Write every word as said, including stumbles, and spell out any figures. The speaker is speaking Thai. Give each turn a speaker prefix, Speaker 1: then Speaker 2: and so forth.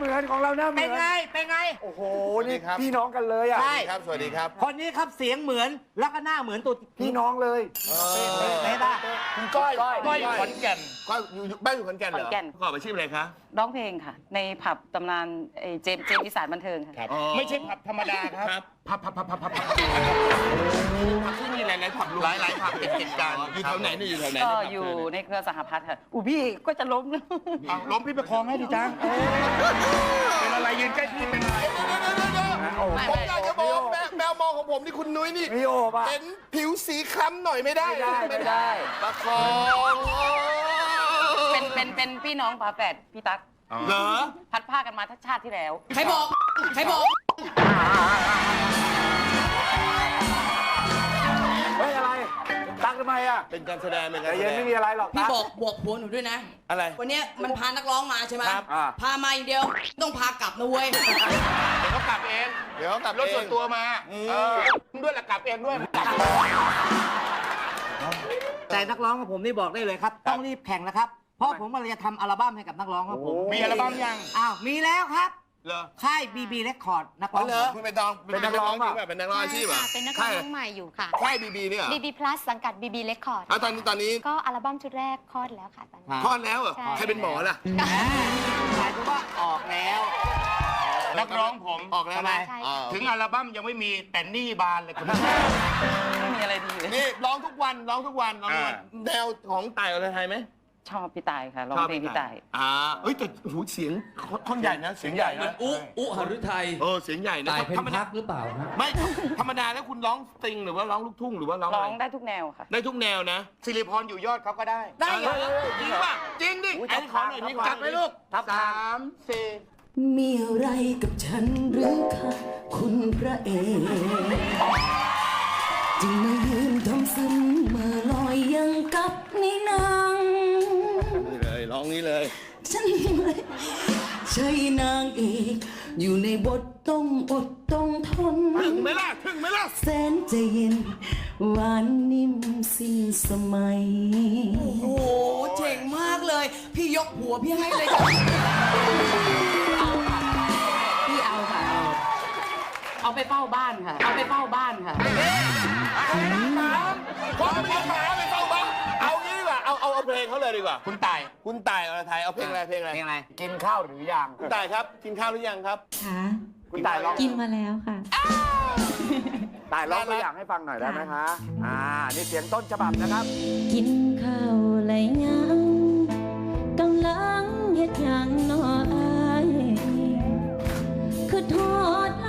Speaker 1: เหมือนของเราหน้าเหมื
Speaker 2: เป็
Speaker 1: อน น
Speaker 2: ไงเป็นไง
Speaker 1: โอ้โหนี่พี่น้องกันเลยอ่ะ
Speaker 2: ใช่
Speaker 3: ครับสวัสดีครับ
Speaker 2: คนนี้ครับเสียงเหมือนแล้วก็หน้าเหมือนตัว
Speaker 1: พี่น้องเลย
Speaker 2: เป๊ะป่ะ
Speaker 1: คุณก้อย
Speaker 3: ก้อยอยู่ขอนแก่นก็อยู่บ้านอยู่ขอนแก่นเหรอ
Speaker 4: ขอนแก่น
Speaker 3: ประกอบอาชีพอะไรคะ
Speaker 4: ร้องเพลงค่ะ ในผับตำนานเอ่อเจมส์เจมส์อีสานบันเทิงค่ะ
Speaker 3: ไม่ใช่ผับธรรมดาครับผับผับผับผับผับผับผับที่มีหลายๆผับหลายหลายผับติดติดกันอยู่แถวไหนเนี่ยอยู่แถวไหน
Speaker 4: ก็อยู่ในเครือสหพัฒน์ค่ะอูพี่ก็จะล้มนะ
Speaker 3: ล้มพี่ประคองให้ดิจ้าเป็นอะไรยืนใกล้พี่เป็นอะไรผมอยากจะบอกแมวแมวมองของผมนี่คุณนุ้ยนี่
Speaker 1: มีโอบอ่ะ
Speaker 3: เห็นผิวสีคล้ำหน่อยไม่ได้
Speaker 1: ไม่ได้ไม่ได้
Speaker 3: ประคอง
Speaker 4: เป็นเป็นเป็นพี่น้องฝาแฝดพี่ตั๊ก
Speaker 3: เหรอ
Speaker 4: พัดผ้ากันมาทักชาติที่แล้ว
Speaker 5: ใครบอกใครบอก
Speaker 1: เฮ้ยอะไรตักทำไมอ่ะ
Speaker 3: เป็นการแสดงเป็น
Speaker 1: แต่
Speaker 3: การแส
Speaker 1: เย็
Speaker 3: ด
Speaker 1: น
Speaker 3: ง
Speaker 1: ไม่มีอะไรหรอก
Speaker 5: พี่
Speaker 1: ตั๊ก
Speaker 5: บอกบอกผัวหนูด้วยนะ
Speaker 3: อะไร
Speaker 5: วันเนี้ยมันพานักร้องมาใช่ไหม
Speaker 3: ครับ
Speaker 1: อ่า
Speaker 5: พามาอย่างเดียวต้องพากลับนะเว้ย
Speaker 3: เดี๋ยวเขากลับเอง เดี๋ยวเขากลับรถส่วนตัวมาเออด้วยละกลับเองด้วย
Speaker 2: แต่นักร้องของผมนี่บอกได้เลยครับ ต้องรีบแข่งนะครับ เพราะผมกำลังจะทำอัลบั้มให้กับนักร้องของผม
Speaker 3: มีอัลบั้มยัง
Speaker 2: อ้าวมีแล้วครับ
Speaker 3: เหรอ
Speaker 2: ค่าย บี บี Record นักร้อง
Speaker 3: เหรอคุณเป็นดองเป็นนักร้องจริงป่ะเป็นนักร้องอาชีพ
Speaker 6: ใช่
Speaker 3: อ่ะ
Speaker 6: ค่ะเป็นนักร้องใหม่อยู่ค่ะ
Speaker 3: ค่ายบีบีเนี่ยเหรอ
Speaker 6: บี บี Plus สังกัด บี บี Record
Speaker 3: เอาตอนนี้ตอนนี้
Speaker 6: ก็อัลบั้มชุดแรกคลอดแล้วค่ะตอนนี้
Speaker 3: คลอดแล้วเหรอ
Speaker 6: ใช่
Speaker 3: ใครเป็นหมอล่ะ
Speaker 2: หมายถึงว่าออกแล้ว
Speaker 3: นักร้องผมออกแล้วนะ
Speaker 6: ใช่
Speaker 3: อ่า
Speaker 6: ค่ะ
Speaker 3: ถึงอัลบั้มยังไม่มีแต่หนี่บานเลยคุณ
Speaker 4: ไม่มีอะไรดีเลย
Speaker 3: นี่ร้องทุกวันร้องทุกวันร้องทุกวันแนวของต่ายอรไทยไหม
Speaker 4: ชอบพี่ตายค่ะร้องเพลงพี่ตาย
Speaker 3: อ่าเอ้ยแต่หูเสียงท่อนใหญ่นะเสียงใหญ่นะ
Speaker 7: อุอุหฤทัย
Speaker 3: เออเสียงใหญ่นะ
Speaker 7: ตายเป็น
Speaker 3: ธรรม
Speaker 7: พั
Speaker 3: ดาก
Speaker 7: หรือเปล่าฮะ
Speaker 3: ไม่ธรรมดาแล้วคุณร้องสตริงหรือว่าร้องลูกทุ่งหรือว่าร้อง
Speaker 4: ร้
Speaker 3: อะ
Speaker 4: อง
Speaker 3: ไร
Speaker 4: ได้ทุกแนวค่ะ
Speaker 3: ได้ทุกแนวนะสิริพรอยู่ยอดเขาก็ได้
Speaker 2: ได้เหรอ
Speaker 3: จริงป่ะจริงดิ
Speaker 1: อุ๊ย
Speaker 3: ไอ้ขอหน่อยนี่ขอ
Speaker 1: จัดไปลูก
Speaker 3: สามสี่
Speaker 5: มีอะไรกับฉันหรือคะคุณพระเอกจึงมายืนทำซึมมาลอยยังกับในหนัง
Speaker 3: นี่เลยร้องนี้เลย
Speaker 5: ฉันไม่ใช่นางเอกอยู่ในบทต้องอดต้องทน
Speaker 3: ถึงไหมล่ะถึงไหมล่ะ
Speaker 5: แสนใจเย็นหวานนิ่มสิ้นสมัย โอ้โหเจ๋งมากเลย พี่ยกหัวพี่ให้เลยจ้ะ
Speaker 4: พี่เอาค่ะ เอาเอาไปเฝ้าบ้านค่ะ เอาไปเฝ้าบ้านค่ะ
Speaker 3: ผมไม่ได้มาไปเฝ้าบ้านเอางี้ดีกว่าเอาเอาเอาเพลงเขาเลยดีกว่าคุณต่ายคุณต่ายอรไทยเอาเพลงอะไรเพลงอะไร
Speaker 2: เพลงอะไร
Speaker 1: กินข้าวหรือยัง
Speaker 3: คุณต่ายครับกินข้าวหรือยังครับ
Speaker 8: ค่ะ
Speaker 1: คุณตายร้อง
Speaker 8: กินมาแล้วค่ะ
Speaker 1: ตายร้องตัวอย่างให้ฟังหน่อยได้ไหมคะ อ่า นี่เสียงต้นฉบับนะครับ
Speaker 8: กินข้าวไรยังกำลังเฮ็ดหยังนออายคือทอด